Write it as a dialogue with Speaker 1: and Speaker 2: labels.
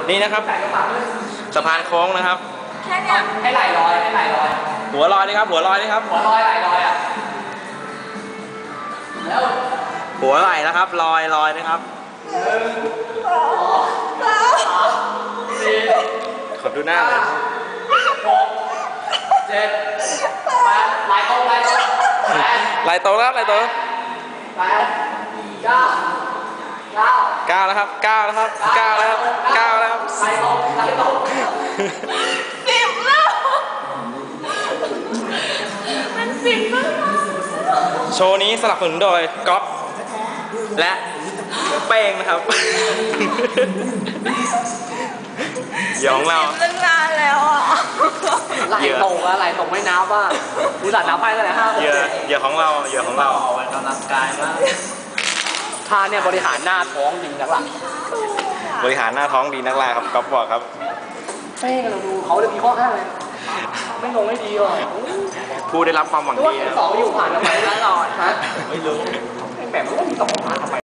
Speaker 1: นี่นะครับสะพานโค้งนะครับ
Speaker 2: แค่เนี้ย
Speaker 3: ให้ไหลลอยให้ไหลลอย
Speaker 1: หัวลอยนี่ครับหัวลอยนี่ครับ
Speaker 3: หัวลอยไหลลอยอ่ะแล้ว
Speaker 1: หัวไหลนะครับลอยนะครับขอดูหน้าเลย
Speaker 3: 7 8ไหลตรง
Speaker 1: ไหลตรงแล้วไหลตรง
Speaker 3: 8 9
Speaker 1: 9แล้วครับ9แล้วครับ9แล้วครับ9แล้วครับ
Speaker 3: ไหลตรง
Speaker 2: 10แล้วมัน10แล้ว
Speaker 1: โชว์นี้สนับสนุนโดยก๊อฟและเป้งนะครับเหยื่อของเรา
Speaker 2: ตั้งนานแล้วอ่ะ
Speaker 3: ไหลตรงแล้วไหลตรงไม่นับว่าอุตส่าห์นับไปตั้งแต่5
Speaker 1: เหยื่อของเราเหยื่อของเรา
Speaker 3: ออกกำลังกายมากท่าเนี่ยบริหารหน้าท้องดีนักล่ะ
Speaker 1: บริหารหน้าท้องดีนักล่ะครับก๊อฟบอกครับ
Speaker 3: เป้งเราดูเขาจะมีข้ออ้างเลยไม่ลงให้ดีหรอ
Speaker 1: ผู้ได้รับความหวังดี
Speaker 3: 2อยู่ผ่านทำไมตลอดฮะไม่รู้แบบมันก็มี2ผ่านทำไม